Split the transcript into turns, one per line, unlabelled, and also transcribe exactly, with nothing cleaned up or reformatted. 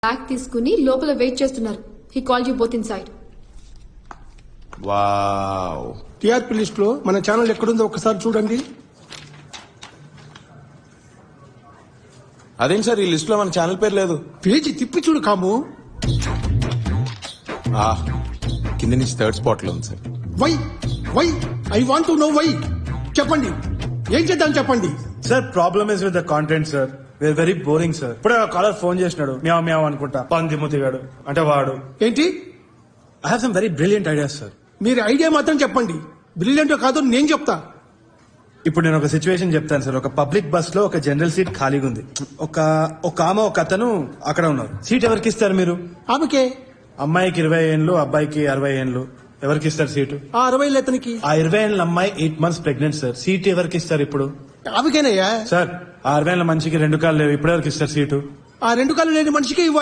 Bag తీసుకుని లోపల wait చేస్తున్నారు. He call you both inside.
Wow.
TRP list లో మన ఛానల్ ఎక్కడుందో ఒకసారి చూడండి.
అదేంటి సార్ ఈ లిస్ట్ లో మన ఛానల్ పేరు లేదు?
పేజీ తిప్పి చూడు కాము.
ఆ కింద నుంచి థర్డ్ స్పాట్ లో ఉంది sir.
Why why I want to know why. చెప్పండి, ఏం చేద్దాం చెప్పండి.
Sir problem is with the content sir. We are very boring sir. ఇప్పుడే కాలర్ ఫోన్ చేసినాడు, మ్యావ్ మ్యావ్ అనుకుంటా, పంది ముతిగాడు అంటే వాడు.
ఏంటి?
I have some very brilliant ideas sir.
మీరు ఐడియా మాత్రం చెప్పండి, బ్రిలియంట్ కాదో నేను చెప్తా.
ఇప్పుడు నేను ఒక సిచ్యువేషన్ చెప్తాను సార్. ఒక పబ్లిక్ బస్ లో ఒక జనరల్ సీట్ ఖాళీగా ఉంది. ఒక ఒక ఆమె ఒక అతను అక్కడ ఉన్నారు. సీట్ ఎవరికి ఇస్తారు మీరు?
ఆమెకే.
అమ్మాయికి ఇరవై ఏళ్ళు, అబ్బాయికి అరవై ఏళ్ళు. ఎవరికి ఇస్తారు సీటు?
ఆ అరవై లేతనికి.
ఆ ఇరవై ఏళ్ళ అమ్మాయి eight months pregnant sir. Seat ఎవరికి ఇస్తారు ఇప్పుడు?
ఆమెకేనయ్యా.
సార్ ఆ అరవై ఏళ్ళ మనిషికి రెండు కాళ్ళు లేవు, ఇప్పుడు ఎవరికి ఇస్తారు సీటు?
ఆ రెండు కాళ్ళు లేని మనిషికి